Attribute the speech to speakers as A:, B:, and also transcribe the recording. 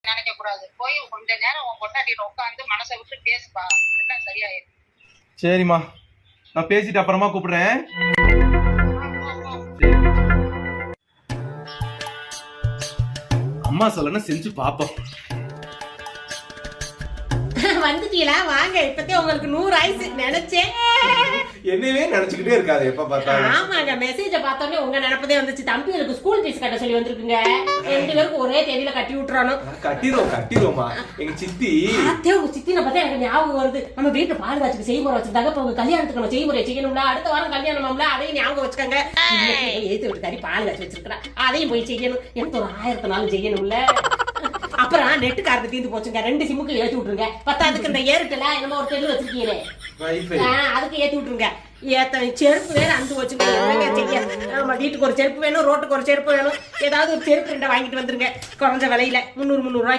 A: நினைக்க கூடாது. போய் கொஞ்ச நேரம் உன் பொண்டாட்டியில உட்காந்து மனசை விட்டு பேசுப்பா, எல்லாம் சரியாயிடும்.
B: சரிம்மா, நான் பேசிட்டு அப்புறமா கூப்பிடுறேன். அம்மா சொல்லணும் செஞ்சு பாப்போம்.
C: வந்துட்டீங்களா? வாங்க, இப்பத்தே உங்களுக்கு 100 ஆயிடுச்சு நினைச்சேன்.
B: என்னவே நினைச்சுக்கிட்டே இருக்காது எப்ப பார்த்தாலும்.
C: ஆமாங்க, மெசேஜ பார்த்தோன்னே உங்க நினைப்பதே வந்துச்சு. தம்பிகளுக்கு ஸ்கூல் ஃபீஸ் கட்ட சொல்லி வந்திருக்குங்க. 2 பேருக்கு ஒரே தேதியில கட்டி விட்டுறணும்.
B: கட்டிடுவோமா. எங்க சித்தி
C: அத்தே உங்க சித்தின பார்த்தா எனக்கு ஞாபகம் வருது. நம்ம வீட்டுல பால் காய்ச்சிக்கு செய்முறை வச்சிருந்தாங்க. இப்ப உங்க கல்யாணத்துக்கு நம்ம செய்முறை செய்யணும்ல. அடுத்த வாரம் கல்யாணம்ல, அதையும் ஞாபகம் வச்சுக்கோங்க. ஏத்து விட்டுக்காரி பால் காய்ச்சி வச்சிருக்கா, அதையும் போய் செய்யணும். எனக்கு ஒரு 1000 நாள் செய்யணும்ல. அப்புறம் நெட்டு கார்டு தீர்ந்து போச்சுங்க. 2 சிம்முக்கு ஏத்தி விட்டுருங்க. பத்தாதுக்கு இந்த ஏர்டெல் என்னமோ ஒரு தெரு வச்சிருக்கீங்களே, அதுக்கு ஏத்தி விட்டுருங்க. செருப்பு வேற அந்து வச்சுங்க. நம்ம வீட்டுக்கு ஒரு செருப்பு வேணும், ரோட்டுக்கு ஒரு செருப்பு வேணும். ஏதாவது ஒரு செருப்பு 2 வாங்கிட்டு வந்துருங்க. குறைஞ்ச விலையில 300 ரூபாய்.